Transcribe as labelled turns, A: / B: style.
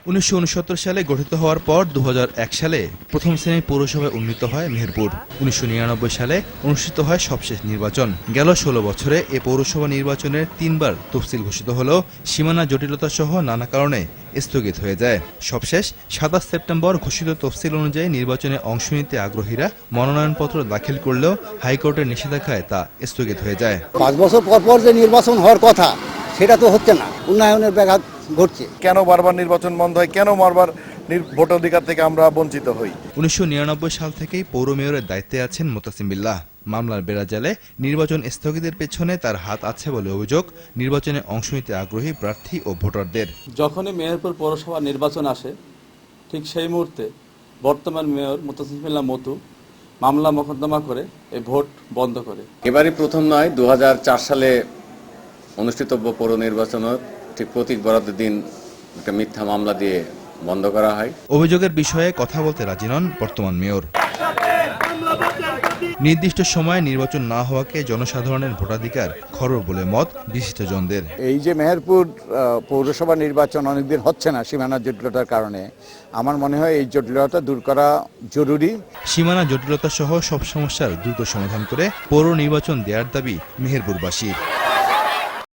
A: 1969 সালে গঠিত হওয়ার পর 2001 সালে প্রথম শ্রেণীর পৌরসভায় উন্নীত হয় মেহেরপুর। 1999 সালে অনুষ্ঠিত হয় সবশেষ নির্বাচন। গেল 16 বছরে এ পৌরসভা নির্বাচনের 3 বার তফসিল ঘোষিত হলেও সীমানা জটিলতা সহ নানা কারণে স্থগিত হয়ে যায়। সবশেষ 27 সেপ্টেম্বর ঘোষিত তফসিল অনুযায়ী নির্বাচনে অংশ নিতে আগ্রহীরা মনোনয়নপত্র দাখিল করলেও হাইকোর্টের নিষেধাজ্ঞায় তা স্থগিত হয়ে যায়।
B: 5 বছর পর পর যে নির্বাচন হওয়ার কথা সেটা তো হচ্ছে না, উন্নয়নের ব্যাঘাত ঘটছে।
C: কেন বারবার নির্বাচন বন্ধ হয়, কেন বারবার ভোটাধিকার থেকে আমরা বঞ্চিত হই?
A: 1999 সাল থেকেই পৌর মেয়রের দায়িত্বে আছেন মোতাসিম বিল্লাহ। মামলার বেড়াজালে নির্বাচন স্থগিতের পেছনে তার হাত আছে বলে অভিযোগ নির্বাচনে অংশ নিতে আগ্রহী প্রার্থী ও ভোটারদের।
D: যখনই মেহেরপুর পৌরসভা নির্বাচন আসে ঠিক সেই মুহূর্তে বর্তমান মেয়র মোতাসিম বিল্লাহ মতু মামলা মোকদ্দমা করে এই ভোট বন্ধ করে।
E: এবারই প্রথম নয়, 2004 সালে অনুষ্ঠিতব্য পৌর নির্বাচনের ঠিক প্রতীক বরাদ্দের দিন একটা মিথ্যা মামলা দিয়ে বন্ধ করা হয়।
A: অভিযোগের বিষয়ে কথা বলতে রাজি নন বর্তমান মেয়র। নির্দিষ্ট সময়ে নির্বাচন না হওয়াকে জনসাধারণের ভোটাধিকার খর্ব বলে মত বিশিষ্টজনদের।
B: এই যে মেহেরপুর পৌরসভা নির্বাচন অনেকদিন হচ্ছে না সীমানা জটিলতার কারণে, আমার মনে হয় এই জটিলতা দূর করা জরুরি।
A: সীমানা জটিলতা সহ সব সমস্যার দ্রুত সমাধান করে পৌর নির্বাচন দেওয়ার দাবি মেহেরপুরবাসীর।